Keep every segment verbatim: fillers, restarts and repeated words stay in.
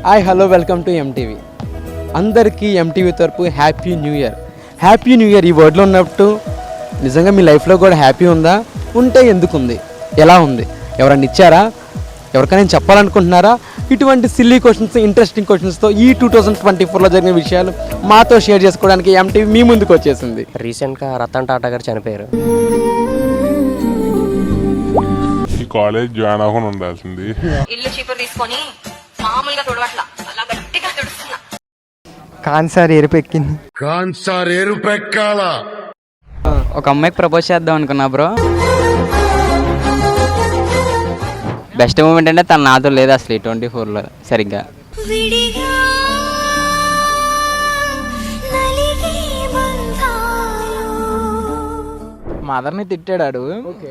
Hi hello welcome to MTV. అందరికీ MTV తరపు happy new year. Happy new year ఈ వర్డ్లో ఉన్నట్టు నిజంగా మీ లైఫ్లో కూడా హ్యాపీ ఉందా? ఉంటే ఎందుకు ఉంది? ఎలా ఉంది? ఎవరన్నా ఇచ్చారా? ఎవరికైనా చెప్పాలనుకుంటున్నారా? ఇటువంటి సిల్లీ క్వశ్చన్స్, ఇంట్రెస్టింగ్ క్వశ్చన్స్తో ఈ టూ థౌజండ్ ట్వంటీ ఫోర్లో జరిగిన విషయాలు మాతో షేర్ చేసుకోవడానికి ఎంటీవీ మీ ముందుకు వచ్చేసింది. రీసెంట్గా రతన్ టాటా గారు చనిపోయారు. ఈ కాలేజ్ జాయిన్ అవ్వకుండా ఉండాల్సింది. ఇల్లు చీపురు తీసుకొని మామూలుగా తుడవట్లా, అలా గట్టిగా తుడుస్తున్నా. కాన్సార్ ఎరుపెక్కింది. కాన్సార్ ఎరుపెక్కాల. ఒక అమ్మాయికి ప్రపోజ్ చేద్దాం అనుకున్నా బ్రో. బెస్ట్ మూమెంట్ అంటే తను నాతో లేదు అసలు ట్వంటీ ఫోర్లో సరిగ్గా. మదర్ని తిట్టాడు.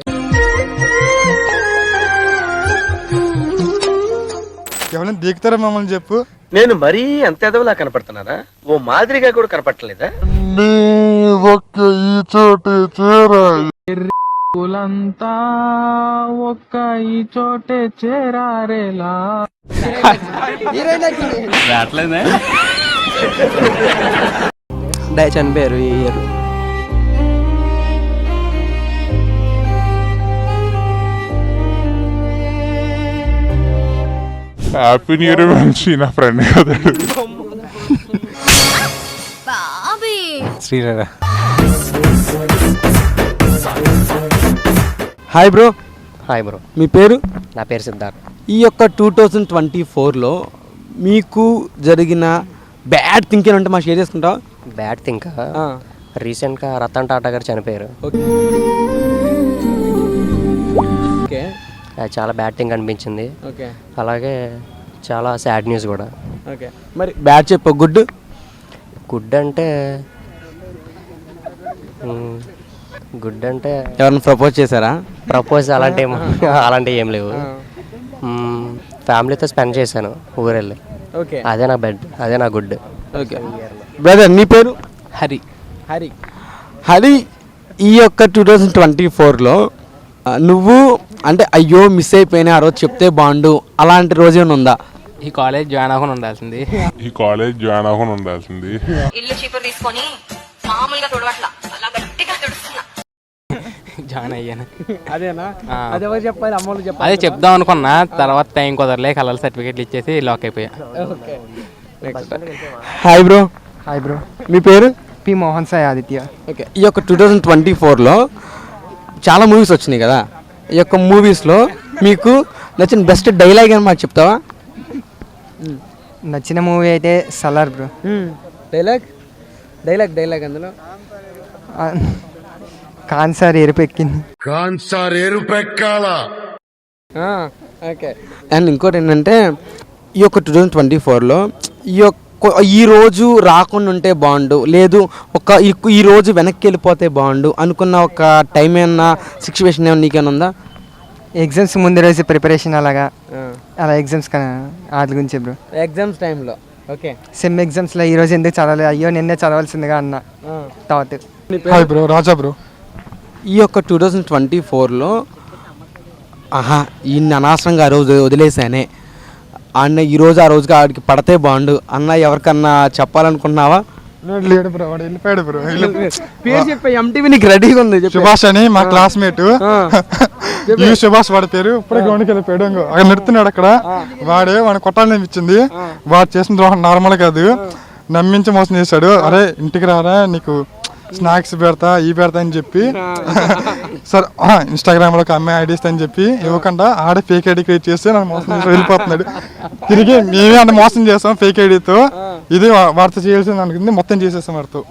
ఎవరైనా దిగుతారా మమ్మల్ని చెప్పు. నేను మరీ అంత ఎదవలా కనపడుతున్నారా? ఓ మాదిరిగా కూడా కనపడలేదా? ఒక్క ఈ చోటే చేరారేలా. డై చనిపోయారు ఈ ఇయర్. హ్యాపీ న్యూ ఇయర్ మంచి నా ఫ్రెండ్ కదా శ్రీరారా. Hi bro. Hi bro. మీ పేరు? నా పేరు సిద్ధార్థ్. ఈ యొక్క టూ థౌజండ్ ట్వంటీ ఫోర్లో మీకు జరిగిన బ్యాడ్ థింకింగ్ అంటే మా షేర్ చేసుకుంటావా? బ్యాడ్ థింక్ రీసెంట్గా రతన్ టాటా గారు చనిపోయారు. ఓకే. అది చాలా బ్యాడ్ థింగ్ అనిపించింది. ఓకే. అలాగే చాలా సాడ్ న్యూస్ కూడా. ఓకే. మరి బ్యాడ్ చెప్పు. గుడ్ గుడ్ అంటే గుడ్ అంటే ఎవరైనా ప్రపోజ్ చేశారా? ప్రపోజ్ అలాంటి ఏం అలాంటివి ఏం లేవు. ఫ్యామిలీతో స్పెండ్ చేశాను ఊరెళ్ళి. ఓకే. అదే నా బెడ్, అదే నా గుడ్. ఓకే. బ్రదర్ నీ పేరు? హరి. హరి. హరి, ఈ యొక్క టూ థౌజండ్ ట్వంటీ ఫోర్లో నువ్వు అంటే అయ్యో మిస్ అయిపోయినా ఆ రోజు చెప్తే బాగుండు అలాంటి రోజు ఏమైనా ఉందా? ఈ కాలేజ్ జాయిన్ అవ్వకుండా ఉండాల్సింది. ఈ కాలేజ్ జాయిన్ అవ్వకుండా ఉండాల్సింది. ఇల్లు చీపురు తీసుకొని మామూలుగా తుడవట్లా, అలా గట్టిగా తుడుస్తున్నా. జాయిన్ అయ్యాను. అదేనా? అది ఎవరు చెప్పాలి? అమ్మోళ్ళు చెప్పాలి. అదే చెప్దాం అనుకున్నా, తర్వాత టైం కుదరలే. కలర్ సర్టిఫికేట్లు ఇచ్చేసి లాక్ అయిపోయా. Okay. Hi bro. Hi bro. మీ పేరు? పి మోహన్ సాయి ఆదిత్య. ఓకే. ఈ యొక్క టూ థౌజండ్ ట్వంటీ ఫోర్లో చాలా మూవీస్ వచ్చినాయి కదా. ఈ యొక్క మూవీస్లో మీకు నచ్చిన బెస్ట్ డైలాగ్ అని మాకు చెప్తావా? నచ్చిన మూవీ అయితే Salaar bro. Dialogue dialogue dialogue అందులో కాన్సార్ ఎరుపెక్కింది. కాన్సార్ ఎరుపెక్కాల. ఓకే. అండ్ ఇంకోటి ఏంటంటే ఈ యొక్క టూ థౌజండ్ ట్వంటీ ఫోర్లో ఈ యొక్క ఈ రోజు రాకుండా ఉంటే బాగుండు, లేదు ఒక ఈ రోజు వెనక్కి వెళ్ళిపోతే బాగుండు అనుకున్న ఒక టైం ఏమన్నా సిచ్యువేషన్ ఏమన్నా నీకేమైనా ఉందా? ఎగ్జామ్స్ ముందు రోజు ప్రిపరేషన్ అలాగా అలా ఎగ్జామ్స్ వాటి గురించి బ్రో. ఎగ్జామ్స్ టైంలో. ఓకే. సెమ్ ఎగ్జామ్స్లో ఈ రోజు ఎందుకు చదవాలి, అయ్యో నిన్నే చదవాల్సిందిగా అన్న thought. Hi bro. Raja bro. ఈ యొక్క టూ థౌజండ్ ట్వంటీ ఫోర్లో ఆహా ఈయన అనవసరంగా ఆ రోజు వదిలేసానే అన్న, ఈరోజు ఆ రోజుకి ఆడికి పడితే బాగుండు అన్న ఎవరికన్నా చెప్పాలనుకుంటున్నావా? లేడు బ్రో, వాడు వెళ్ళిపోయాడు బ్రో. పేరు చెప్పే ఎంటీవీ నీకు రెడీగా ఉంది. సుభాష్ అని మా క్లాస్మేట్. ఈ సుభాష్ వాడి పేరు. ఇప్పుడే గ్రౌండ్కి వెళ్ళిపోయాడు. అక్కడ నిడుతున్నాడు అక్కడ. వాడే వాడిని కొట్టాలని అనిపించింది. వాడు చేసిన ద్రోహం నార్మల్ కాదు, నమ్మించి మోసం చేశాడు. అరే ఇంటికి రారా నీకు స్నాక్స్ పెడతా ఈ పెడతా అని చెప్పి సార్ ఇన్స్టాగ్రామ్ లో ఒక అమ్మాయి ఐడి ఇస్తా అని చెప్పి ఇవ్వకుండా ఆడే ఫేక్ ఐడి క్రియేట్ చేస్తే నన్ను మోసం చేసి వెళ్ళిపోతున్నాడు. తిరిగి మేమే అంటే మోసం చేస్తాం ఫేక్ ఐడితో. ఇది వాడితో చేయాల్సింది అనుకుంది, మొత్తం చేసేస్తాం వాడితో.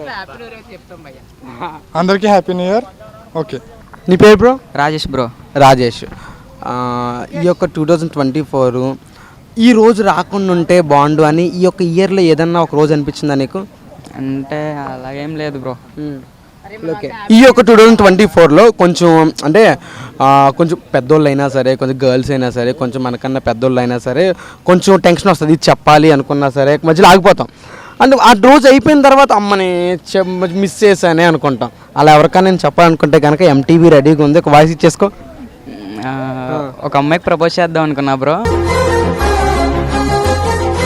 అందరికీ హ్యాపీ న్యూ ఇయర్. ఓకే. నీ పేరు బ్రో? రాజేష్ బ్రో. రాజేష్. ఈ యొక్క టూ థౌజండ్ ట్వంటీ ఫోర్ ఈ రోజు రాకుండా ఉంటే బాగుండు అని ఈ యొక్క ఇయర్లో ఏదన్నా ఒక రోజు అనిపించిందా నీకు? అంటే అలాగేం లేదు బ్రో. ఓకే. ఈ యొక్క టూ థౌజండ్ ట్వంటీ ఫోర్లో కొంచెం అంటే కొంచెం పెద్దోళ్ళు అయినా సరే, కొంచెం గర్ల్స్ అయినా సరే, కొంచెం మనకన్నా పెద్దోళ్ళు అయినా సరే కొంచెం టెన్షన్ వస్తుంది. ఇది చెప్పాలి అనుకున్నా సరే మధ్యలో ఆగిపోతాం. అంటే ఆ రోజు అయిపోయిన తర్వాత అమ్మని మిస్ చేశానే అనుకుంటాం. అలా ఎవరికైనా నేను చెప్పాలనుకుంటే కనుక ఎంటీవీ రెడీగా ఉంది, ఒక వాయిస్ ఇచ్చేసుకో. ఒక అమ్మాయికి ప్రపోజ్ చేద్దాం అనుకున్నా బ్రో.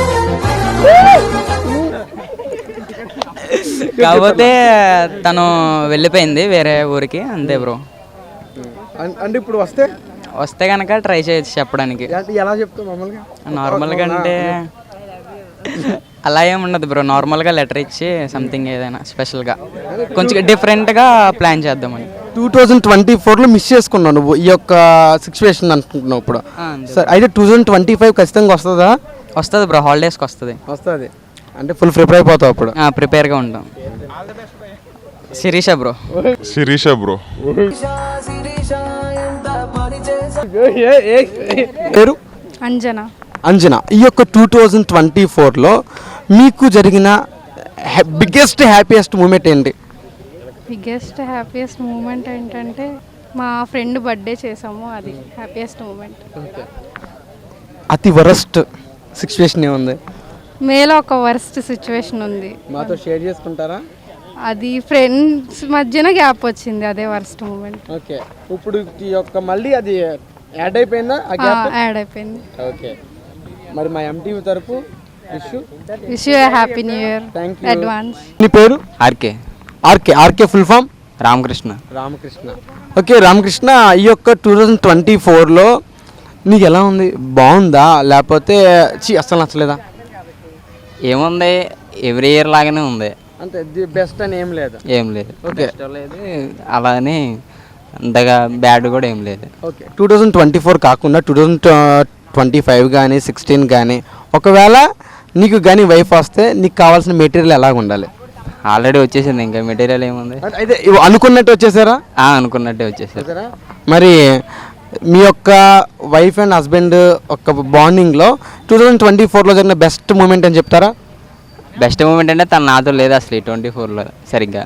కాకపోతే తను వెళ్ళిపోయింది వేరే ఊరికి, అంతే బ్రో. అం- అంటే ఇప్పుడు వస్తే వస్తే కనుక ట్రై చేయొచ్చు చెప్పడానికి. అంటే ఎలా చెప్తావు మామూలుగా? నార్మల్గా అంటే అలా ఏమి ఉండదు బ్రో, నార్మల్గా లెటర్ ఇచ్చి సంథింగ్ ఏదైనా స్పెషల్గా కొంచెం డిఫరెంట్గా ప్లాన్ చేద్దామని. టూ థౌజండ్ ట్వంటీ ఫోర్లో మిస్ చేసుకున్నావు నువ్వు ఈ యొక్క సిచ్యువేషన్ అనుకుంటున్నావు ఇప్పుడు. సరే అయితే టూ థౌజండ్ ట్వంటీ ఫైవ్ ఖచ్చితంగా వస్తుందా? వస్తుంది బ్రో, హాలిడేస్కి వస్తుంది. వస్తుంది అంటే ఫుల్ ప్రిపేర్ అయిపోతావు అప్పుడు. ప్రిపేర్గా ఉంటాం. శిరీష బ్రో. శిరీష బ్రో. పేరు అంజనా. అంజనా. ఈ యొక్క టూ థౌజండ్ ట్వంటీ ఫోర్లో మీకు జరిగిన బిగ్గెస్ట్ హ్యాపీయెస్ట్ మూమెంట్ ఏంటి? బిగ్గెస్ట్ హ్యాపీయెస్ట్ మూమెంట్ ఏంటంటే మా ఫ్రెండ్ బర్త్డే చేసాము, అది హ్యాపీయెస్ట్ మూమెంట్. అతి వరస్ట్ సిచ్యువేషన్ ఏముంది? మేలో ఒక వర్స్ట్ సిచ్యువేషన్ ఉంది, మాతో షేర్ చేసుకుంటారా? అది ఫ్రెండ్స్ మధ్యన గ్యాప్ వచ్చింది, అదే వర్స్ట్ మూమెంట్. ఓకే, ఇప్పుడు ఈ యొక్క మళ్ళీ అది యాడ్ అయిపోయిందా? ఆ గ్యాప్ యాడ్ అయిపోయింది. ఓకే, మరి మా ఎంటీవీ తరపు wish wish you happy new year thank you. Advance. నీ పేరు? RK. RK. RK full form? Ramakrishna. Ramakrishna. Okay Ramakrishna, ఈ యొక్క టూ థౌజండ్ ట్వంటీ ఫోర్లో నీకు ఎలా ఉంది? బాగుందా లేకపోతే చి అసలు నచ్చలేదా? ఏముంది, ఎవ్రీ ఇయర్ లాగానే ఉంది, అంతే, ది బెస్ట్ అని ఏం లేదు. ఏం లేదు. ఓకే. ఇష్టం లేదు అలా అని అంతగా బ్యాడ్ కూడా ఏం లేదు. Okay, two thousand twenty four కాకుండా టూ థౌజండ్ ట్వంటీ ఫైవ్ కానీ సిక్స్టీన్ కానీ ఒకవేళ నీకు కానీ వైఫ్ వస్తే నీకు కావాల్సిన మెటీరియల్ ఎలాగ ఉండాలి? ఆల్రెడీ వచ్చేసింది, ఇంకా మెటీరియల్ ఏముంది. అయితే ఇవి అనుకున్నట్టు వచ్చేసారా? ఆ, అనుకున్నట్టే వచ్చేసారు. మరి మీ యొక్క వైఫ్ అండ్ హస్బెండ్ ఒక బాండింగ్లో టూ థౌజండ్ ట్వంటీ ఫోర్లో జరిగిన బెస్ట్ మూమెంట్ అని చెప్తారా? బెస్ట్ మూమెంట్ అంటే తను నాతో లేదు అసలు ఈ ట్వంటీ ఫోర్లో సరిగ్గా.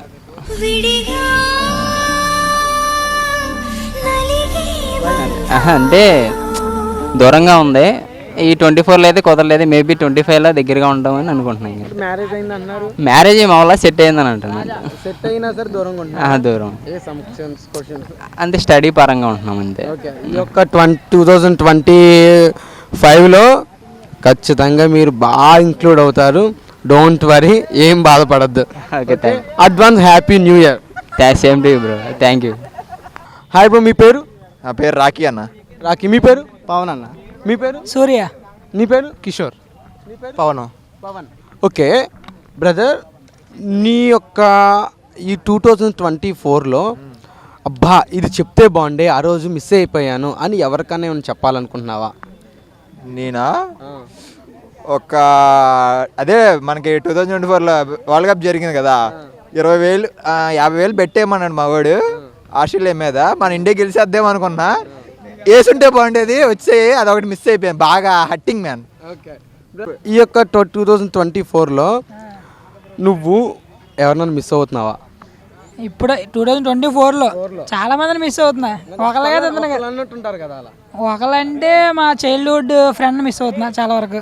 ఆహా, అంటే దూరంగా ఉంది. ఈ ట్వంటీ ఫోర్లో అయితే కుదరలేదు, మేబీ ట్వంటీ ఫైవ్లో దగ్గరగా ఉంటామని అనుకుంటున్నాను. మ్యారేజ్ అయింది అన్నారు. మ్యారేజ్ మా వల్ల సెట్ అయిందని అంటున్నాను. సెట్ అయినా సరే దూరంగా ఆ, దూరం ఉంటుంది. అంతే, స్టడీ పరంగా ఉంటున్నాం అంతే. ఓకే, ఈ యొక్క ట్వంటీ టూ థౌజండ్ ట్వంటీ ఫైవ్లో ఖచ్చితంగా మీరు బాగా ఇంక్లూడ్ అవుతారు. డోంట్ వరీ, ఏం బాధపడద్దు. Okay, thank advance happy new year. Same to you bro, thank you. Hi bro, మీ పేరు? నా పేరు రాకీ అన్న. రాకీ. మీ పేరు? పవన్ అన్న. మీ పేరు? సూర్య. నీ పేరు? కిషోర్. పవన్. పవన్. ఓకే బ్రదర్, నీ యొక్క ఈ టూ థౌజండ్ ట్వంటీ ఫోర్లో అబ్బా ఇది చెప్తే బాగుండే, ఆ రోజు మిస్ అయిపోయాను అని ఎవరికైనా ఏమైనా చెప్పాలనుకుంటున్నావా? నేనా? ఒక అదే మనకి టూ థౌజండ్ ట్వంటీ ఫోర్లో వరల్డ్ కప్ జరిగింది కదా, ఇరవై వేలు యాభై వేలు పెట్టేయమన్నాడు మా వాడు ఆస్ట్రేలియా మీద. మన ఇండియా గెలిచేద్దాం అనుకున్నా, వేసుంటే బాగుండేది, వచ్చే అదొకటి మిస్ అయిపోయాను, బాగా హట్టింగ్ మ్యాన్. ఈ యొక్క టూ థౌజండ్ ట్వంటీ ఫోర్లో నువ్వు ఎవరినైనా మిస్ అవుతున్నావా? ఇప్పుడు టూ థౌజండ్ ట్వంటీ ఫోర్లో చాలా మందిని మిస్ అవుతున్నా. ఒకళ్ళే కదా అన్నట్టుంటారు కదా, అలా ఒకళ్ళంటే మా చైల్డ్హుడ్ ఫ్రెండ్ మిస్ అవుతున్నా చాలా వరకు.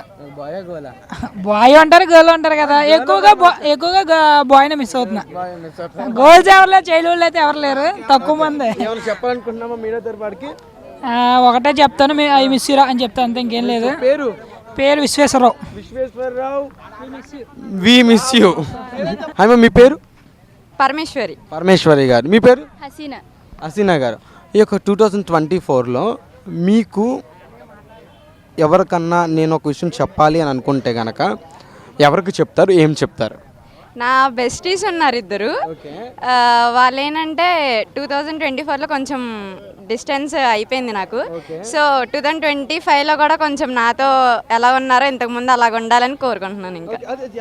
బాయ్ అంటారు, గర్ల్ అంటారు కదా, ఎక్కువగా ఎక్కువగా బాయ్ని మిస్ అవుతున్నా. గర్ల్స్ ఎవరు లేరు, చైల్డ్హుడ్ అయితే ఎవరు లేరు, తక్కువ మంది. చెప్పాలనుకుంటున్నామా మీడియా తరపుకి? ఒకటే చెప్తాను, ఐ మిస్ యూ రా అని చెప్తాను, అంతే, ఇంకేం లేదు. పేరు? పేరు Visweswararao. Visweswararao, we miss you. Hi, మీ పేరు? పరమేశ్వరి. పరమేశ్వరి గారు. మీ పేరు? హసీనా. హసీనా గారు. ఈ యొక్క టూ థౌజండ్ ట్వంటీ ఫోర్లో మీకు ఎవరికన్నా నేను ఒక విషయం చెప్పాలి అని అనుకుంటే కనుక ఎవరికి చెప్తారు, ఏం చెప్తారు? నా బెస్టీస్ ఉన్నారు ఇద్దరు. వాళ్ళు ఏంటంటే టూ థౌజండ్ ట్వంటీ ఫోర్లో కొంచెం డిస్టెన్స్ అయిపోయింది నాకు. సో టూ థౌజండ్ ట్వంటీ ఫైవ్లో కూడా కొంచెం నాతో ఎలా ఉన్నారో ఇంతకుముందు అలాగ ఉండాలని కోరుకుంటున్నాను. ఇంకా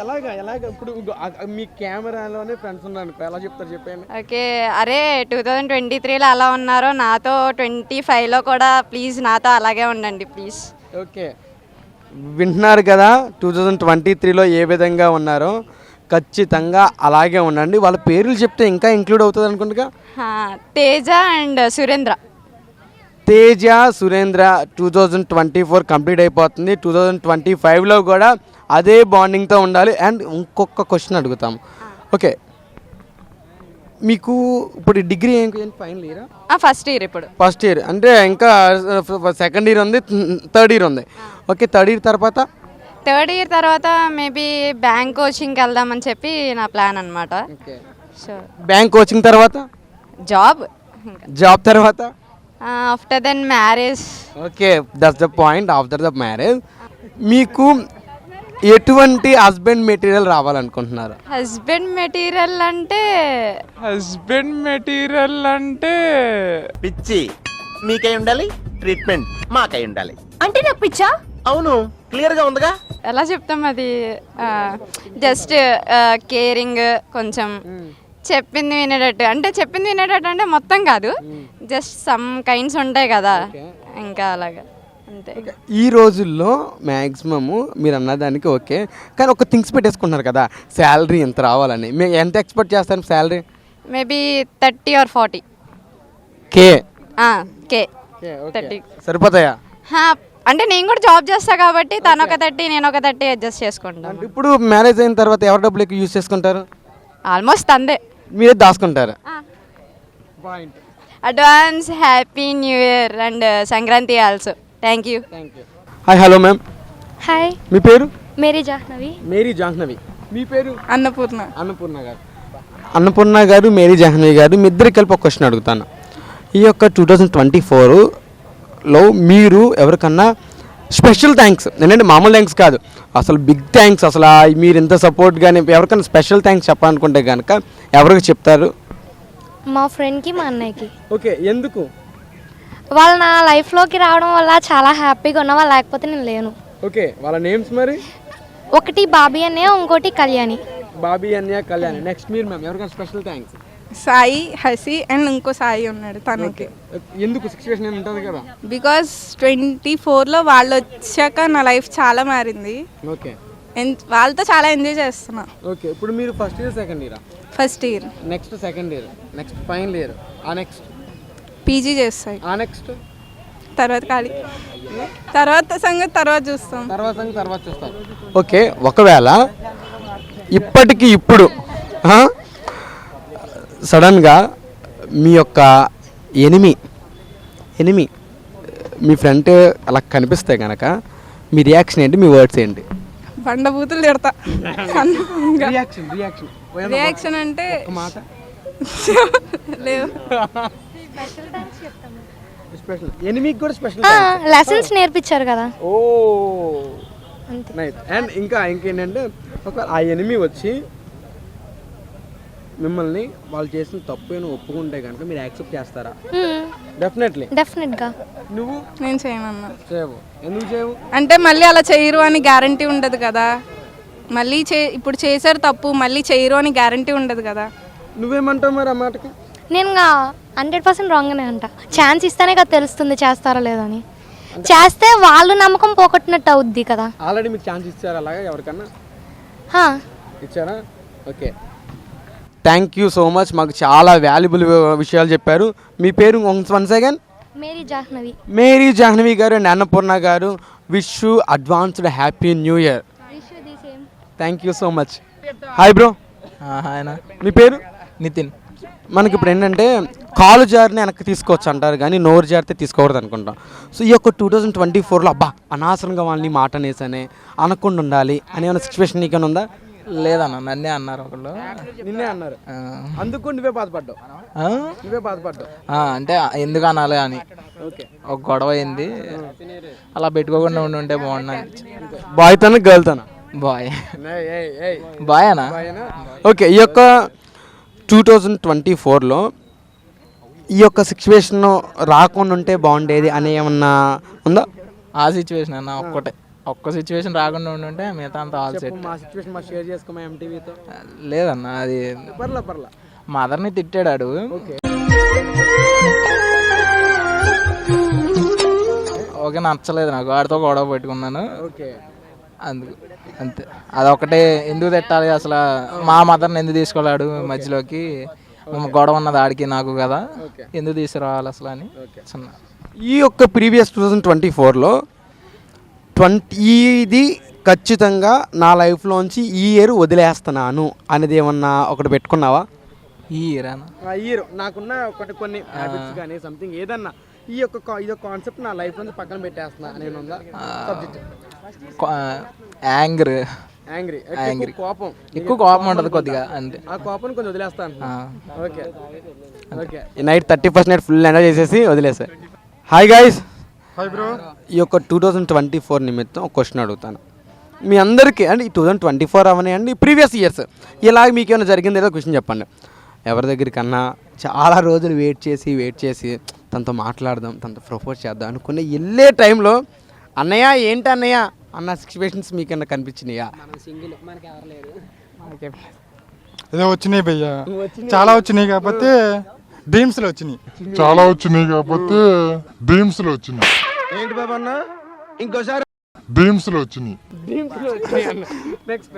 మీ కెమెరాలోనే ఫ్రెండ్స్ ఉన్నారు, ఎలా చెప్తారు చెప్పండి. ఓకే, అరే టూ థౌజండ్ ట్వంటీ త్రీలో ఎలా ఉన్నారో నాతో ట్వంటీ ఫైవ్లో కూడా ప్లీజ్ నాతో అలాగే ఉండండి ప్లీజ్. ఓకే, వింటున్నారు కదా, టూ థౌజండ్ ట్వంటీ త్రీలో ఏ విధంగా ఉన్నారో ఖచ్చితంగా అలాగే ఉండండి. వాళ్ళ పేర్లు చెప్తే ఇంకా ఇంక్లూడ్ అవుతుంది అనుకుంటుగా. Teja and Surendra. Teja, Surendra two thousand twenty four complete అయిపోతుంది. టూ థౌజండ్ ట్వంటీ ఫైవ్లో కూడా అదే బాండింగ్తో ఉండాలి. అండ్ ఇంకొక క్వశ్చన్ అడుగుతాం. ఓకే, మీకు ఇప్పుడు డిగ్రీ ఏం ఫైనల్ ఇయరా? First year. ఇప్పుడు ఫస్ట్ ఇయర్ అంటే ఇంకా సెకండ్ ఇయర్ ఉంది, థర్డ్ ఇయర్ ఉంది. ఓకే, థర్డ్ ఇయర్ తర్వాత థర్డ్ ఇయర్ తర్వాత మేబీ బ్యాంక్ కోచింగ్కి వెళ్దామని చెప్పి నా ప్లాన్ అనమాట. సో బ్యాంక్ కోచింగ్ తర్వాత జాబ్, జాబ్ తర్వాత after then marriage. Okay, that's the point. After the marriage మీకు ఎటువంటి హస్బెండ్ మెటీరియల్ రావాలనుకుంటున్నారు? హస్బెండ్ మెటీరియల్ అంటే హస్బెండ్ మెటీరియల్ అంటే పిచ్చి మీకై ఉండాలి, ట్రీట్మెంట్ మాకై ఉండాలి. అంటే నాకు పిచ్చా? అవును, క్లియర్ గా ఉందిగా. ఎలా చెప్తాం అది, జస్ట్ కేరింగ్, కొంచెం చెప్పింది వినేటట్టు. అంటే చెప్పింది వినేటట్టు అంటే మొత్తం కాదు, జస్ట్ సమ్ కైండ్స్ ఉంటాయి కదా, ఇంకా అలాగా అంతే. ఈ రోజుల్లో మ్యాక్సిమము మీరు అన్నదానికి ఓకే, కానీ ఒక థింగ్స్ పెట్టేసుకుంటున్నారు కదా, శాలరీ ఎంత రావాలని. మేము ఎంత ఎక్స్పెక్ట్ చేస్తాను salary? Maybe thirty or forty K K thirty సరిపోతాయా? అంటే నేను కూడా జాబ్ చేస్తా కాబట్టి తను ఒక థర్టీ నేను ఒక థర్టీ అడ్జస్ట్ చేసుకుంటాను. ఇప్పుడు మ్యారేజ్ అయిన తర్వాత ఎవరి డబ్బులు ఎక్కువ యూజ్ చేసుకుంటారు? ఆల్మోస్ట్ అందే, మీరే దాచుకుంటారు. Advance happy new year and Sankranti also. Thank you. Hi, hello ma'am. Hi, మీ పేరు? మేరీ జాహ్నవి. మేరీ జాహ్నవి. మీ పేరు? అన్నపూర్ణ. అన్నపూర్ణ గారు. అన్నపూర్ణ గారు, మేరీ జాహ్నవి గారు, మీ ఇద్దరికి కలిపి ఒక క్వశ్చన్ అడుగుతాను. ఈ యొక్క టూ థౌజండ్ ట్వంటీ ఫోర్లో మీరు ఎవరికన్నా స్పెషల్ థ్యాంక్స్, ఏంటంటే మామూలు థ్యాంక్స్ కాదు, అసలు బిగ్ థ్యాంక్స్, అసలు మీరు ఇంత సపోర్ట్ కానీ ఎవరికైనా స్పెషల్ థ్యాంక్స్ చెప్పాలనుకుంటే కనుక ఎవరికి చెప్తారు? మా ఫ్రెండ్కి, మా అన్నయ్యకి. ఓకే, ఎందుకు? వాళ్ళు నా లైఫ్లోకి రావడం వల్ల చాలా హ్యాపీగా ఉన్నా, వాళ్ళు లేకపోతే నేను లేను. ఓకే, వాళ్ళ నేమ్స్ మరి? ఒకటి బాబీ అన్నయ్య, ఇంకోటి కళ్యాణి. బాబీ అన్నయ్య, కళ్యాణి. నెక్స్ట్ మీరు మ్యామ్, ఎవరికైనా special thanks? Sai, Hasi and ఇంకో సాయి ఉన్నాడు తనకి. ఎందుకు? సిచ్యువేషన్ ఏమి ఉంటుంది కదా. బికాస్ ట్వంటీ ఫోర్లో వాళ్ళు వచ్చాక నా లైఫ్ చాలా మారింది. ఓకే, వాళ్ళతో చాలా ఎంజాయ్ చేస్తున్నా. ఓకే. ఇప్పుడు మీరు first year, second year? First year. Next second year, next final year, ఆ నెక్స్ట్ పీజీ చేస్తాయి, ఆ నెక్స్ట్ తర్వాత ఖాళీ, తర్వాత సంగతి తర్వాత చూస్తాం. తర్వాత సంగతి తర్వాత చూస్తాం. ఓకే, ఒకవేళ ఇప్పటికి ఇప్పుడు సడన్గా మీ యొక్క ఎనిమి ఎనిమి మీ ఫ్రెండ్ అలా కనిపిస్తే కనుక మీ రియాక్షన్ ఏంటి, మీ వర్డ్స్ ఏంటి? బండబూతులు తిడతా. రియాక్షన్ రియాక్షన్ రియాక్షన్ అంటే మాట లేవు. స్పెషల్ ఎనిమికి కూడా స్పెషల్ లెసన్స్ నేర్పించారు కదా. ఓ నైస్. అండ్ ఇంకా ఇంకేంటంటే ఒక ఆ ఎనిమి వచ్చి మిమ్మల్ని వాళ్ళు చేసిన తప్పు అని ఒప్పుకుంటే కనుక మీరు యాక్సెప్ట్ చేస్తారా? డెఫినెట్లీ. డెఫినెట్గా. నువ్వు? నేను చేయనన్నా. చేయవు. ఎందుకు చేయవు? అంటే మళ్ళీ అలా చేయరు అని గ్యారంటీ ఉండదు కదా. మళ్ళీ చే ఇప్పుడు చేశారు తప్పు, మళ్ళీ చేయరు అని గ్యారంటీ ఉండదు కదా. నువ్వేమంటావు మరి ఆ మాటకి? నేను హండ్రెడ్ పర్సెంట్ రాంగ్నే అంట. ఛాన్స్ ఇస్తేనే కదా తెలుస్తుంది చేస్తారా లేదో అని. చేస్తే వాళ్ళు నమ్మకం పోగొట్టినట్టు అవుద్ది కదా. ఆల్రెడీ మీకు ఛాన్స్ ఇచ్చారా అలాగా ఎవరికన్నా? ఇచ్చారా? Okay, thank you so much. మాకు చాలా వాల్యుబుల్ విషయాలు చెప్పారు. మీ పేరు one second? Mary Jahnavi. Mary Jahnavi గారు అండ్ అన్నపూర్ణ గారు, wish you advanced happy new year. Thank you so much. Hi bro. Hi. మీ పేరు? నితిన్. మనకి ఇప్పుడు ఏంటంటే కాలు జారిని వెనక్కి తీసుకోవచ్చు అంటారు కానీ నోరు జారితే తీసుకోకూడదు అనుకుంటాం. సో ఈ యొక్క టూ థౌజండ్ ట్వంటీ ఫోర్లో అబ్బా అనవసరంగా వాళ్ళని మాట అనేసనే అనకుండా ఉండాలి అనే ఏమైనా సిచ్యువేషన్ నీకైనా ఉందా? లేదన్న, నన్నే అన్నారు ఒకళ్ళు. నిన్నే అన్నారు, అందుకు నువ్వే బాధపడ్డావు? నువ్వే బాధపడ్డావు అంటే ఎందుకు అనాలి అని. ఓకే, ఒక గొడవ అయింది, అలా పెట్టుకోకుండా ఉండి ఉంటే బాగున్నాను. బాయ్ తన గర్ల్ తన? బాయ్. బాయ్ అనా? ఓకే, ఈ యొక్క టూ థౌజండ్ ట్వంటీ ఫోర్లో ఈ యొక్క సిచ్యువేషన్ రాకుండా ఉంటే బాగుండేది అని ఏమన్నా ఉందా? ఆ సిచ్యువేషన్ అన్న ఒక్కటే, ఒక్క సిచ్యువేషన్ రాకుండా ఉండుంటే మిగతా అంతా ఆల్ సెట్. మా సిచ్యువేషన్ మా షేర్ చేసుకోమా ఎంటీవీతో? లేదన్న, అది పర్లా పర్లా మదర్ని తిట్టాడు. ఓకే, నచ్చలేదు నాకు, వాడితో గొడవ పెట్టుకున్నాను. ఓకే, అందుకు అంతే. అదొకటే, ఎందుకు తిట్టాలి అసలు, మా మదర్ని ఎందుకు తీసుకోలేడు మధ్యలోకి, గొడవ ఉన్నది ఆడికి నాకు కదా, ఎందుకు తీసుకురావాలి అసలు అని చిన్న. ఈ యొక్క ప్రీవియస్ టూ థౌజండ్ ట్వంటీ ఫోర్లో ట్వంటీ ఇది ఖచ్చితంగా నా లైఫ్లోంచి ఈ ఇయర్ వదిలేస్తున్నాను అనేది ఏమన్నా ఒకటి పెట్టుకున్నావా? ఈ ఇయర్ ఇయర్ నాకున్న ఒకటి కొన్ని హ్యాబిట్స్ కానీ సంథింగ్ ఏదన్నా ఈ యొక్క కా- ఇదొక కాన్సెప్ట్ నా లైఫ్ నుంచి పక్కన పెట్టేస్తున్నా నేను ఉందా సబ్జెక్ట్ యాంగర్ యాంగ్రీ కోపం ఎక్కువ కోపం ఉంటుంది కొద్దిగా అంతే. ఆ కోపం కొంచెం వదిలేస్తాను. Okay okay night thirty first night full enjoy చేసేసి వదిలేసా. Hi guys, hi bro. ఈ యొక్క టూ థౌజండ్ ట్వంటీ ఫోర్ నిమిత్తం ఒక క్వశ్చన్ అడుగుతాను మీ అందరికీ. అండి ఈ టూ థౌజండ్ ట్వంటీ ఫోర్ అవనండి ప్రీవియస్ ఇయర్స్ ఇలా మీకు ఏమైనా జరిగింది ఏదో క్వశ్చన్ చెప్పండి. ఎవరి దగ్గరికన్నా చాలా రోజులు వెయిట్ చేసి వెయిట్ చేసి తనతో మాట్లాడదాం, తనతో ప్రపోజ్ చేద్దాం అనుకునే వెళ్ళే టైంలో అన్నయ్య ఏంటి అన్నయ్య అన్న సిచ్యువేషన్స్ మీకన్నా కనిపించినాయా? ఏదో వచ్చినాయి భయ్యా, చాలా వచ్చినాయి కాకపోతే డ్రీమ్స్ లో వచ్చినాయి. చాలా వచ్చినాయి కాకపోతే డ్రీమ్స్ లో వచ్చినాయి. ఏంటి బాబా అన్న ఇంకోసారి డ్రీమ్స్ లో వచ్చినాయి. నెక్స్ట్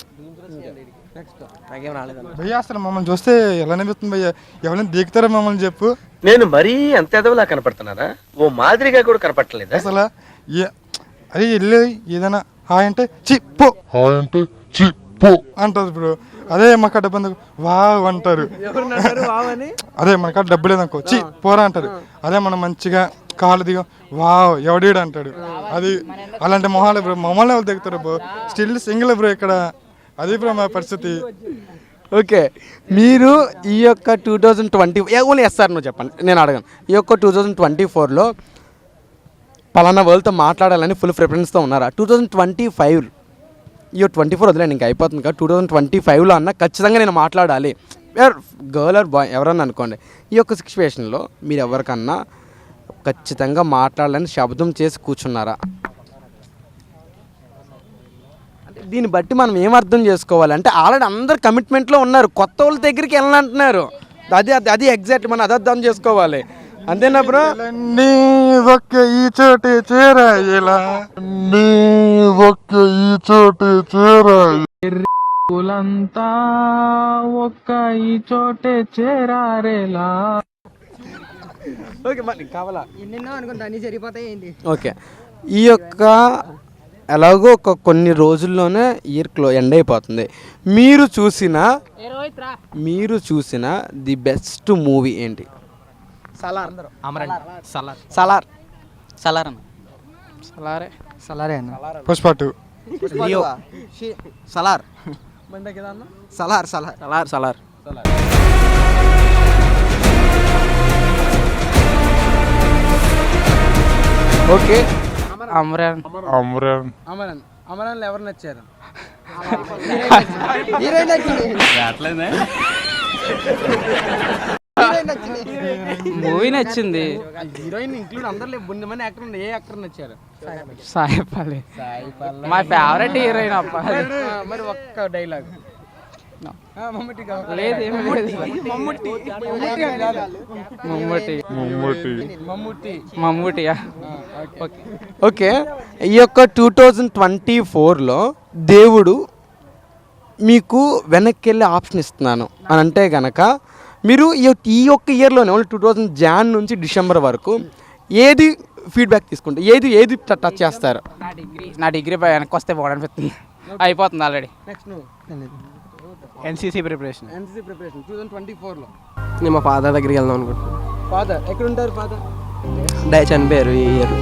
భయ్యా అసలు మమ్మల్ని చూస్తే ఎలా అనిపిస్తుంది భయ్యా? ఎవరైనా దిగుతారా మమ్మల్ని చెప్పు. నేను మరీ అంత ఎదవలా కనపడుతున్నారా? ఓ మాదిరిగా కూడా కనపడలేదా? అసలు ఏ- అరే వెళ్ళి ఏదైనా హాయ్ అంటే చి పో హాయ్ అంటే చి పో అంటారు బ్రో. అదే మాకు డబ్బు ఎందుకు వావ్ అంటారు. అదే మనకు డబ్బు లేదనుకో చి పోరా అంటారు. అదే మనం మంచిగా కాళ్ళు దిగ వావ్ ఎవడీడు అంటాడు. అది అలాంటి మొహాలు బ్రో. మమ్మల్ని ఎవరు దిగుతారు బ్రో? స్టిల్ సింగిల్ బ్రో ఇక్కడ. అది బ్రో మా పరిస్థితి. ఓకే, మీరు ఈ యొక్క two thousand twenty only yes sir నువ్వు చెప్పండి, నేను అడగను. ఈ యొక్క టూ థౌజండ్ ట్వంటీ ఫోర్లో పలానా వాళ్ళతో మాట్లాడాలని ఫుల్ ప్రిఫరెన్స్తో ఉన్నారా? టూ థౌజండ్ ట్వంటీ ఫైవ్ ఈ ట్వంటీ ఫోర్ వదిలేండి ఇంకా అయిపోతుంది కదా. టూ థౌజండ్ ట్వంటీ ఫైవ్లో అన్న ఖచ్చితంగా నేను మాట్లాడాలి, గర్ల్ ఆర్ బాయ్ ఎవరన్నా అనుకోండి. ఈ యొక్క సిచ్యువేషన్లో మీరు ఎవరికన్నా ఖచ్చితంగా మాట్లాడాలని శబ్దం చేసి కూర్చున్నారా? అంటే దీన్ని బట్టి మనం ఏం అర్థం చేసుకోవాలంటే ఆల్రెడీ అందరు కమిట్మెంట్లో ఉన్నారు, కొత్త వాళ్ళ దగ్గరికి వెళ్ళాలంటున్నారు. అది అది అది ఎగ్జాక్ట్ మనం అది అర్థం చేసుకోవాలి. అంతేనా బ్రో? నీ ఒక్క ఈ చోటే చేరాయేలా నీ ఒక్క ఈ చోటే చేరాయి. పూలంతా ఒక్క ఈ చోటే చేరారేలా. ఓకే మరి కావాలా? ఎన్నెన్నో అనుకుంటా అన్ని సరిపోతాయి ఏంటి? ఓకే, ఈ యొక్క ఎలాగో ఒక కొన్ని రోజుల్లోనే ఇయర్ క్లో ఎండ్ అయిపోతుంది. మీరు చూసిన మీరు చూసిన ది బెస్ట్ మూవీ ఏంటి? సలార్ అమరన్ సలార్ సలార్ సలార్ అన్న సలారే సలారే అన్న. పుష్ప టూ లియో సలార్ సలార్ సలార్ సలార్ సలార్ ఓకే, అమరన్ అమరన్ అమరన్ అమరన్లో ఎవరు నచ్చారు? మూవీ నచ్చింది. హీరోయిన్ ఇంక్లూడ్ అందరు బుంది మంది యాక్టర్ ఉంది, ఏ యాక్టర్ నచ్చారు? సాయిపల్లి మా ఫేవరెట్ హీరోయిన్ అప్ప. మరి ఒక్క డైలాగ్ లేదు ఏం లేదు. మమ్ముట్టి మమ్మూటి మమ్మూటి మమ్ముట్టి మమ్మూటియా. ఓకే ఓకే, ఈ యొక్క టూ థౌజండ్ ట్వంటీ ఫోర్లో దేవుడు మీకు వెనక్కి వెళ్ళే ఆప్షన్ ఇస్తున్నాను అని అంటే కనుక మీరు ఈ ఈ ఒక్క ఇయర్లోనే ఓన్లీ టూ థౌజండ్ జాన్ నుంచి డిసెంబర్ వరకు ఏది ఫీడ్బ్యాక్ తీసుకుంటారు, ఏది ఏది టచ్ చేస్తారు? నా డిగ్రీ నా డిగ్రీ వెనక్కి వస్తే బాగుంటుంది. అయిపోతుంది ఆల్రెడీ. నెక్స్ట్ నువ్వు NCC preparation. NCC preparation two thousand twenty ఫోర్లో నేను మా ఫాదర్ దగ్గరికి వెళ్దాం అనుకుంటున్నాను. ఫాదర్ ఎక్కడ ఉంటారు? ఫాదర్ డై చనిపోయారు ఈ ఇయర్.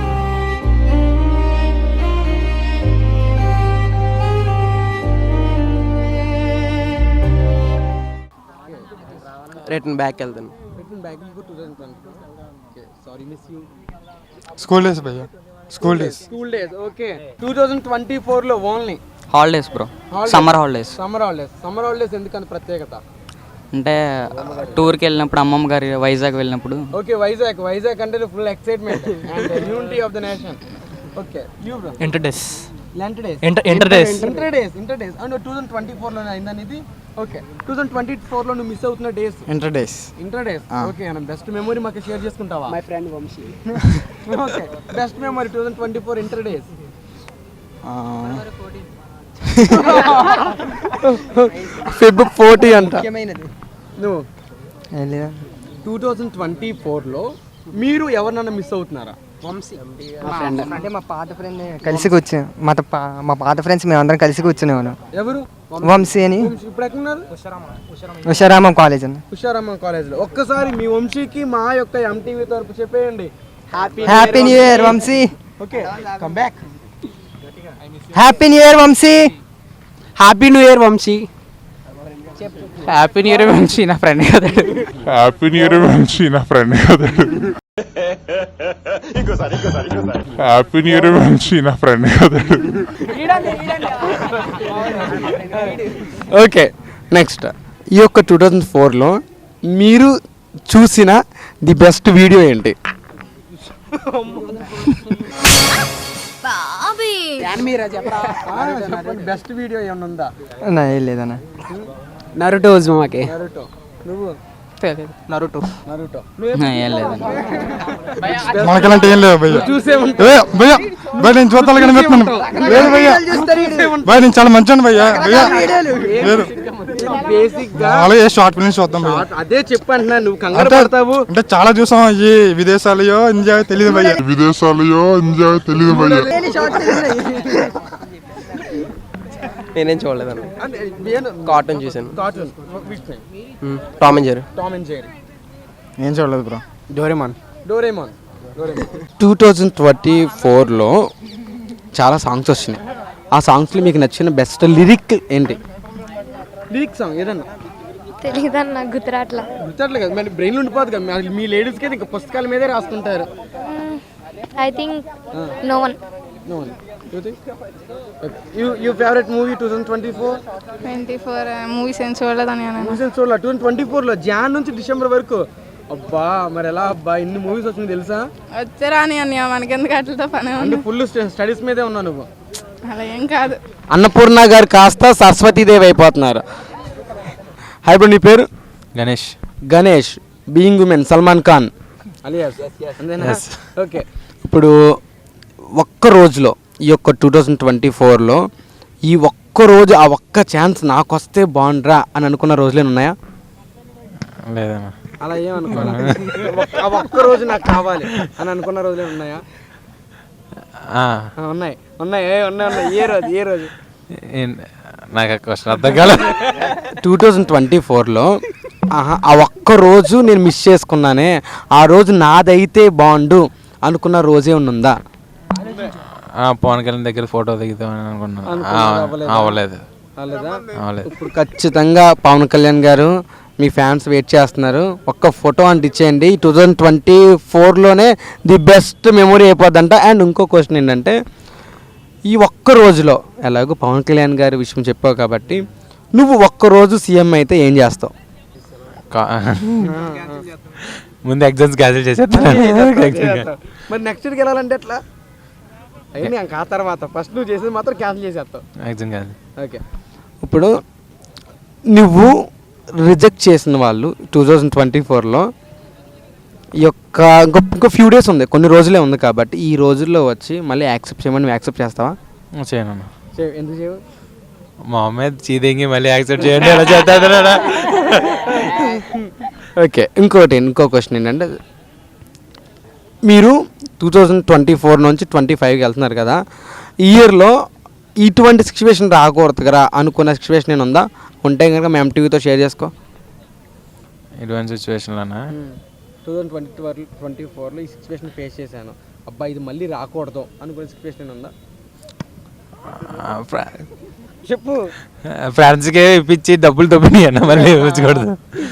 రిటర్న్ బ్యాక్ వెళ్తాను. స్కూల్ డేస్ భయ్యా, school days. School days. Okay, two thousand twenty ఫోర్లో only holidays bro, summer holidays. Summer holidays. Summer holidays ఎందుకని ప్రత్యేకత? అంటే టూర్కి వెళ్ళినప్పుడు అమ్మమ్మ గారి వైజాగ్ వెళ్ళినప్పుడు. ఓకే, వైజాగ్. వైజాగ్ అంటే full excitement and unity of the nation. Okay, you bro. Inter days. Inter days. Inter days. Inter days. Inter days and two thousand twenty ఫోర్లోనే అయిందని ఇది. ఓకే, టూ థౌసండ్ ట్వంటీ ఫోర్లో నువ్వు మిస్ అవుతున్న days inter days. Inter days. Okay, మనం best memory మాకు share చేసుకుంటావా? My friend Vamshi. Okay, best memory two thousand twenty four inter days. Feb forty అంట. నువ్వు టూ థౌజండ్ ట్వంటీ ఫోర్లో మీరు ఎవరినన్నా మిస్ అవుతున్నారా? అంటే మా పాత ఫ్రెండ్ కలిసి కూర్చో మా పా- మా పాత ఫ్రెండ్స్ మేమందరం కలిసి కూర్చునేవాళ్ళం. ఎవరు? వంశీ అని ఇప్పుడు ఎక్కడున్నారు? ఉషారామం కాలేజ్ అని. హుషారమ్మ కాలేజ్లో. ఒక్కసారి మీ వంశీకి మా యొక్క ఎంటీవీ తరపు చెప్పేయండి happy happy new year Vamshi. Okay come back. Happy new year Vamshi. Happy new year Vamshi. Happy new year Vamshi నా ఫ్రెండ్ కదా. హ్యాపీ న్యూ ఇయర్ వంశీ నా ఫ్రెండ్ కదా. హ్యాపీ న్యూ ఇయర్ వంశీ నా ఫ్రెండ్ కదా. ఓకే నెక్స్ట్, ఈ యొక్క టూ థౌజండ్ ఫోర్లో మీరు చూసిన ది బెస్ట్ వీడియో ఏంటి? బెస్ట్ వీడియో ఏమన్నా ఉందా? నా ఏం లేదన్న. Naruto Uzumaki. నరుటో. నువ్వు? నరుటో. నరుటో. ఏం లేదన్న. మనకెలాంటి ఏం లేవు భయ్య. చూసే ఏ భయ్య భయ్య నేను చూస్తాను కనిపిస్తున్నాను. లేదు భయ్య భయ్య నేను చాలా మంచి భయ్య. భయ్య లేదు బేసిక్ గా అలాగే షార్ట్ ఫిల్మ్స్ చూద్దాం భయ్య. అదే చెప్పంటున్నా, నువ్వు కంగారు అంటే పడతావు. అంటే చాలా చూసాం ఈ విదేశాలయో ఇండియా తెలియదు భయ్య. విదేశాలయో ఇండియా తెలియదు భయ్య. నేనేం చూడలేదన్న. కార్టూన్ చూసాను. Cartoon Tom and Jerry. Tom and Jerry. ఏం చూడలేదు bro. Doraemon. Doraemon. Two thousand twenty ఫోర్లో చాలా సాంగ్స్ వచ్చినాయి. ఆ సాంగ్స్లో మీకు నచ్చిన బెస్ట్ లిరిక్ ఏంటి? లిరిక్ సాంగ్ ఏదన్నా తెలీదన్న, గుర్తురాట్లా. గుర్తట్లే కదా, మరి బ్రెయిన్ ఉండిపోదు కదా. మీ- మీ లేడీస్కి అయితే ఇంకా పుస్తకాల మీదే రాసుకుంటారు. I think no one. No one. You think? Okay. You, your favorite movie twenty twenty-four? Twenty four movies ఏం చూడలేదని మూవీస్ చూడాల ట్వంటీ ట్వంటీ ఫోర్లో జాన్ నుంచి డిసెంబర్ వరకు. అబ్బా మరి ఎలా అబ్బా ఇన్ని మూవీస్ వచ్చింది తెలుసా? వచ్చారా అని అన్నయ్య, మనకెందుకు అట్లతో పని ఉంది. అంటే ఫుల్ స్టడీస్ మీదే ఉన్నావు నువ్వు. అలా ఏం కాదు. అన్నపూర్ణ గారు కాస్త సరస్వతీదేవి అయిపోతున్నారు. హాయ్ బ్రో, నీ పేరు? Ganesh. Ganesh. Being human Salman Khan alias. Okay, ఇప్పుడు ఒక్క రోజులో ఈ యొక్క టూ థౌజండ్ ట్వంటీ ఫోర్లో ఈ ఒక్క రోజు ఆ ఒక్క ఛాన్స్ నాకు వస్తే బాగుండ్రా అని అనుకున్న రోజులే ఉన్నాయా? లేదన్నా. అలా ఏమనుకోవాలి, ఆ ఒక్క రోజు నాకు కావాలి అని అనుకున్న రోజులే ఉన్నాయా? ఆ, ఉన్నాయి ఉన్నాయి ఏ ఉన్నాయి ఉన్నాయి. ఏ రోజు ఏ రోజు? నాకు క్వశ్చన్ అర్థం కాలేదు. టూ థౌజండ్ ట్వంటీ ఫోర్లో ఆ ఒక్క రోజు నేను మిస్ చేసుకున్నానే, ఆ రోజు నాదైతే బాగుండు అనుకున్న రోజే ఉందా? పవన్ కళ్యాణ్ దగ్గర ఫోటో దిగుతామని అనుకున్నాను. అవ్వలేదు. అవ్వలేదు. ఇప్పుడు ఖచ్చితంగా పవన్ కళ్యాణ్ గారు మీ ఫ్యాన్స్ వెయిట్ చేస్తున్నారు. ఒక్క ఫోటో అంటే ఇచ్చేయండి. టూ థౌజండ్ ట్వంటీ ఫోర్లోనే ది బెస్ట్ మెమొరీ అయిపోద్దంట. అండ్ ఇంకో క్వశ్చన్ ఏంటంటే, ఈ ఒక్క రోజులో ఎలాగో పవన్ కళ్యాణ్ గారి విషయం చెప్పావు కాబట్టి నువ్వు ఒక్కరోజు సీఎం అయితే ఏం చేస్తావు? ముందు ఎగ్జామ్స్ క్యాన్సిల్ చేసేస్తాను. మరి నెక్స్ట్ ఇయర్కి వెళ్ళాలంటే ఎట్లా? అయ్యి ఆ తర్వాత ఫస్ట్ నువ్వు చేసేది మాత్రం క్యాన్సిల్ చేసేస్తావు. Exam cancel. ఓకే, ఇప్పుడు నువ్వు రిజెక్ట్ చేసిన వాళ్ళు టూ థౌజండ్ ట్వంటీ ఫోర్లో ఈ యొక్క ఇంకో ఇంకో ఫ్యూ డేస్ ఉంది, కొన్ని రోజులే ఉంది కాబట్టి ఈ రోజుల్లో వచ్చి మళ్ళీ యాక్సెప్ట్ చేయమని నువ్వు యాక్సెప్ట్ చేస్తావా? చేయను. ఎందుకు చేయవు? మా అమ్మాయి చీదింగి మళ్ళీ యాక్సెప్ట్ చేయండి ఎలా చేస్తాడు. ఓకే, ఇంకోటి ఇంకో క్వశ్చన్ ఏంటంటే, మీరు టూ థౌజండ్ ట్వంటీ ఫోర్ నుంచి ట్వంటీ ఫైవ్కి వెళ్తున్నారు కదా, ఈ ఇయర్లో ఇటువంటి సిచ్యువేషన్ రాకూడదు కదా అనుకున్న సిచ్యువేషన్ నేను ఉందా? ఉంటే కనుక మేము టీవీతో షేర్ చేసుకో. ఇటువంటి సిచ్యువేషన్లోనా? Two thousand twenty four twenty ఫోర్లో ఈ సిచ్యువేషన్ ఫేస్ చేశాను, అబ్బా ఇది మళ్ళీ రాకూడదు అనుకునే సిచ్యువేషన్ ఉందా? చెప్పు. ఫ్రెండ్స్కే ఇప్పించి డబ్బులు దొబ్బినాయి అన్న, మళ్ళీ ఇప్పించకూడదు.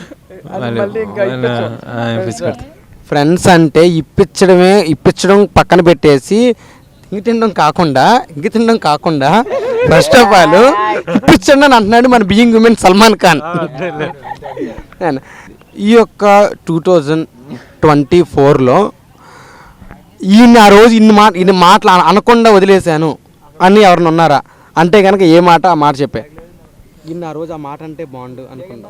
ఫ్రెండ్స్ అంటే ఇప్పించడమే, ఇప్పించడం పక్కన పెట్టేసి ఇంక తినడం కాకుండా ఇంక తినడం కాకుండా ఫస్ట్ ఆఫ్ ఆల్ ఇప్పించండి అని అంటున్నాడు మన బీయింగ్ ఉమెన్ సల్మాన్ ఖాన్. ఈ యొక్క టూ థౌజండ్ ట్వంటీ ఫోర్లో ఈయన ఆ రోజు ఇన్ని మాట ఇన్ని మాటలు అనకుండా వదిలేశాను అని ఎవరిని ఉన్నారా? అంటే కనుక ఏ మాట ఆ మాట చెప్పే, ఇన్ని ఆ రోజు ఆ మాట అంటే బాగుండు అనుకున్నా.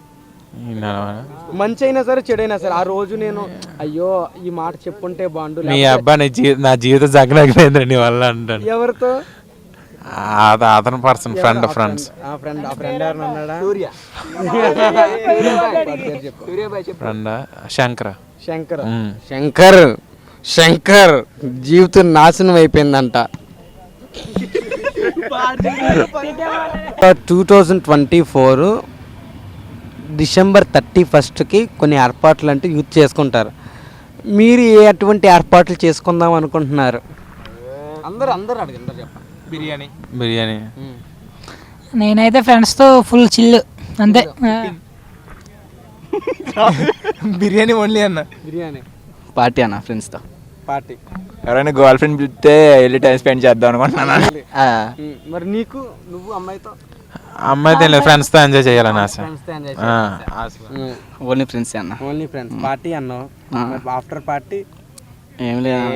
మంచి అయినా సరే చెడైనా సరే ఆ రోజు నేను అయ్యో ఈ మాట చెప్పుంటే బాగుండు. మీ అబ్బాయి నా జీవితం జగనైపోయింది నీ వల్ల అంటాను. ఎవరితో? అతను పర్సన్ ఫ్రెండ్ ఫ్రెండ్స్ ఆ ఫ్రెండ్ ఆ ఫ్రెండ్ ఎవరిని అన్నాడా? ఫ్రెండ్ శంకర్. శంకర్ శంకర్ శంకర్ జీవితం నాశనం అయిపోయిందంట. Two thousand twenty four December thirty ఫస్ట్కి కొన్ని ఏర్పాట్లు అంటే యూత్ చేసుకుంటారు. మీరు ఏ అటువంటి ఏర్పాట్లు చేసుకుందాం అనుకుంటున్నారు? అందరూ అందరూ అడగండి, చెప్పండి. బిర్యానీ బిర్యానీ నేనైతే ఫ్రెండ్స్తో ఫుల్ చిల్ అంతే. బిర్యానీ ఓన్లీ అన్న. బిర్యానీ పార్టీ అన్న ఫ్రెండ్స్తో. పార్టీ. ఎవరైనా గర్ల్ ఫ్రెండ్ పిలిస్తే వెళ్ళి టైం స్పెండ్ చేద్దాం అనుకుంటున్నాను. మరి నీకు, నువ్వు అమ్మాయితో? అమ్మాయితో ఫ్రెండ్స్తో ఎంజాయ్ చేయాలని ఆశ. ఓన్లీ ఫ్రెండ్స్ అన్న. Only friends. పార్టీ అన్నావు, ఆఫ్టర్ పార్టీ ఏం లేదు.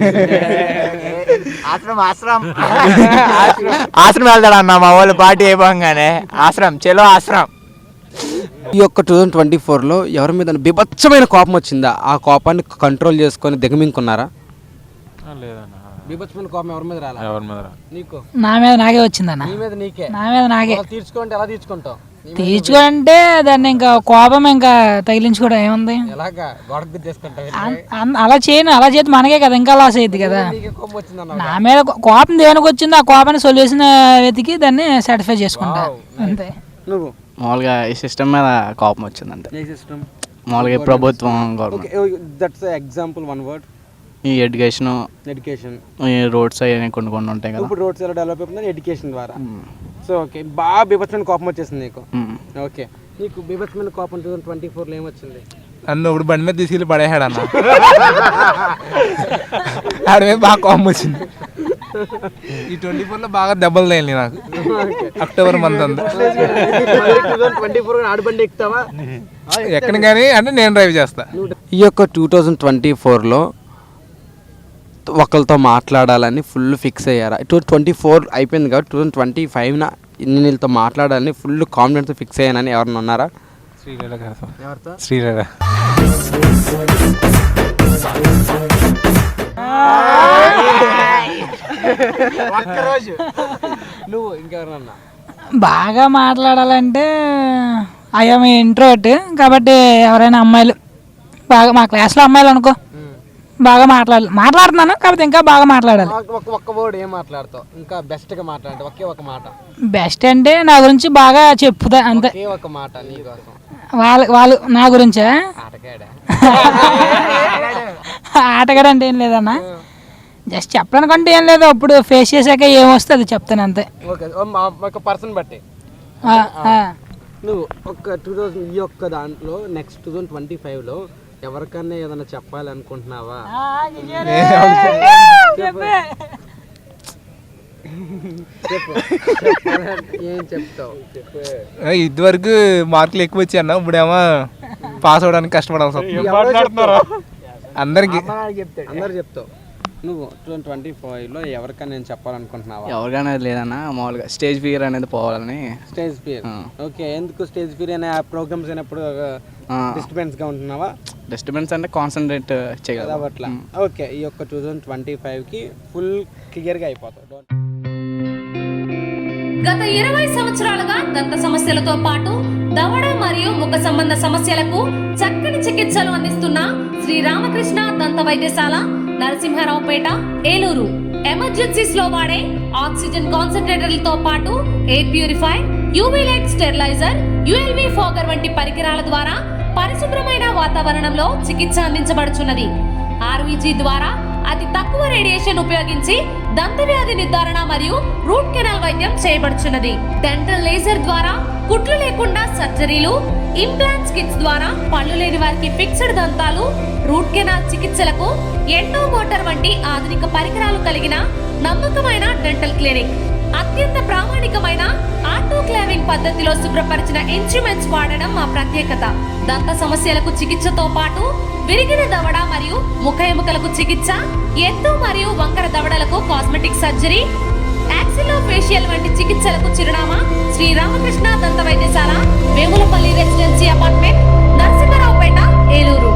ఆశ్రమం ఆశ్రమం ఆశ్రమం వెళ్తాడు అన్న మా వాళ్ళు పార్టీ అయిపోగానే. ఆశ్రమం చలో ఆశ్రమం. ఈ యొక్క టూ థౌజండ్ ట్వంటీ ఫోర్లో ఎవరి మీద బీభత్సమైన కోపం వచ్చిందా? ఆ కోపాన్ని కంట్రోల్ చేసుకొని దిగమింగుకున్నారా? లేదన్న, బీభత్సమైన కోపం ఎవరి మీద రాలా? ఎవరి మీద రా. నీకు? నా మీద నాకే వచ్చిందన్న. నీ మీద నీకే? నా మీద నాకే. తీర్చుకుంటే ఎలా తీర్చుకుంటావు? తీర్చుకుంటే దాన్ని ఇంకా కోపం ఇంకా తగిలించుకోవడం ఏముంది, ఎలాగా గొడవ తీసుకుంటావు? అన్- అన్- అలా చేయను. అలా చేతి మనకే కదా ఇంకా లాస్ అయ్యింది కదా. కోపం వచ్చిందన్న. నా మీద కో- కోపం దేనికి వచ్చిందో ఆ కోపాన్ని సొల్యూషన్ వెతికి దాన్ని సాటిస్ఫై చేసుకుంటా అంతే. నువ్వు? మామూలుగా ఈ సిస్టమ్ మీద కోపం వచ్చింది అంతే. ఏ సిస్టమ్? మామూలుగా ఈ ప్రభుత్వం government that's example, one word. ఈ ఎడ్యుకేషన్, ఎడ్యుకేషన్, ఈ రోడ్స్ అవి కొన్ని కొన్ని ఉంటాయి కదా. ఇప్పుడు రోడ్స్ ఎలా డెవలప్ అవుతుంది? ఎడ్యుకేషన్ ద్వారా. సో ఓకే, బాగా బీభత్సమైన కోపం వచ్చేసింది నీకు. ఓకే, నీకు బీభత్సమైన కోపం టూ థౌసండ్ ట్వంటీ ఫోర్లో ఏమొచ్చింది? నన్ను ఇప్పుడు బండి మీద తీసుకెళ్ళి పడేసాడు అన్న. ఆడ మీద బాగా కోపం వచ్చింది. ఈ ట్వంటీ ఫోర్లో బాగా దెబ్బలు తగిలి నాకు. అక్టోబర్ మంత్ అంతా ట్వంటీ ఫోర్ ఆడబండి ఎక్కుతావా? ఎక్కడ కానీ అంటే నేను డ్రైవ్ చేస్తా. ఈ యొక్క టూ థౌజండ్ ట్వంటీ ఫోర్లో ఒకరితో మాట్లాడాలని ఫుల్ ఫిక్స్ అయ్యారా? టూ ట్వంటీ ఫోర్ అయిపోయింది కాబట్టి టూ థౌజండ్ ట్వంటీ ఫైవ్న నేను వీళ్ళతో మాట్లాడాలని ఫుల్ కాన్ఫిడెన్స్ ఫిక్స్ అయ్యానని ఎవరన్నా ఉన్నారా? శ్రీలీల గారు. ఎవరితో? శ్రీలీల. నువ్వు ఇంకెవరన్నా? బాగా మాట్లాడాలంటే ఐఎమ్ ఇంట్రోవర్ట్ కాబట్టి ఎవరైనా అమ్మాయిలు బాగా మా క్లాస్లో అమ్మాయిలు అనుకో బాగా మాట్లాడాలి. మాట్లాడుతున్నాను కాబట్టి ఇంకా బాగా మాట్లాడాలి. ఒక ఒక్క వర్డ్ ఏం మాట్లాడతావు? ఇంకా బెస్ట్గా మాట్లాడంటే ఒకే ఒక మాట. బెస్ట్ అంటే నా గురించి బాగా చెప్పుతా అంతే. ఒకే ఒక మాట నీకోసం. వాళ్ళ వాళ్ళు నా గురించే ఆటగాడా? ఆటగాడు అంటే ఏం లేదన్నా, జస్ట్ చెప్పడానికంటే ఏం లేదు. అప్పుడు ఫేస్ చేశాక ఏమొస్తే అది చెప్తాను అంతే. ఓకే, ఒక పర్సన్ బట్టి. ఆ, ఆ. నువ్వు ఒక టూ థౌజండ్ ఈ యొక్క దాంట్లో నెక్స్ట్ టూ థౌజండ్ ట్వంటీ ఫైవ్లో ఎవరికన్నా ఏదైనా చెప్పాలనుకుంటున్నావా? ఏం చెప్తావు? ఇదివరకు మార్కులు ఎక్కువ వచ్చాయి అన్న, ఇప్పుడేమో పాస్ అవడానికి కష్టపడాల్సి వస్తుంది అందరికి. అందరు చెప్తావు. నువ్వు టూ థౌజండ్ ట్వంటీ ఫైవ్లో ఎవరికైనా నేను చెప్పాలనుకుంటున్నావా? ఎవరికైనా లేదన్నా, మామూలుగా స్టేజ్ ఫియర్ అనేది పోవాలని. Stage fear. ఓకే, ఎందుకు స్టేజ్ ఫియర్ అనే ప్రోగ్రామ్స్ అయినప్పుడు డిస్టర్బెన్స్ గా ఉంటున్నావా? డిస్టర్బెన్స్ అంటే కాన్సన్ట్రేట్ చేయగలదు అట్లా. ఓకే, ఈ యొక్క టూ థౌజండ్ ట్వంటీ ఫైవ్కి ఫుల్ క్లియర్గా అయిపోతావు. గత ఇరవై సంవత్సరాలుగా దంత సమస్యలతో పాటు దవడ మరియు ముఖ సంబంధ సమస్యలకు చక్కని చికిత్సలు అందిస్తున్న శ్రీ రామకృష్ణ దంత వైద్యశాల, నరసింహారావుపేట, ఏలూరు. ఎమర్జెన్సీస్ లో వాడే ఆక్సిజన్ కాన్సంట్రేటర్లతో పాటు air purify, UV light steriliser, ULV fogger వంటి పరికరాల ద్వారా పరిశుభ్రమైన వాతావరణంలో చికిత్స అందించబడుచున్నది. ఆర్వీజీ ద్వారా అతి తక్కువ రేడియేషన్ ఉపయోగించి దంత వ్యాధి నిర్ధారణ మరియు రూట్ కెనాల్ వైద్యం చేయబడుచున్నది. డెంటల్ లేజర్ ద్వారా కుట్లు లేకుండా సర్జరీలు, ఇంప్లాంట్స్ కిట్స్ ద్వారా పళ్ళు లేని వారికి ఫిక్స్డ్ దంతాలు, రూట్ కెనాల్ చికిత్సలకు ఎండో మోటార్ వంటి ఆధునిక పరికరాలు కలిగిన నమ్మకమైన డెంటల్ క్లినిక్. అత్యంత ప్రామాణికమైన ఆటోక్లావింగ్ పద్ధతిలో శుభ్రపరిచిన ఇన్స్ట్రుమెంట్స్ వాడడం మా ప్రత్యేకత. దంత సమస్యలకు చికిత్సతో పాటు విరిగిన దవడ మరియు ముఖ ఎముకలకు చికిత్స, ఎత్తు మరియు వంకర దవడలకు కాస్మెటిక్ సర్జరీ, యాక్సిలో ఫేషియల్ వంటి చికిత్సలకు చిరునామా శ్రీ రామకృష్ణ దంత వైద్యశాల, వేములపల్లి రెసిడెన్సీ అపార్ట్మెంట్, నరసింహారావుపేట, ఏలూరు.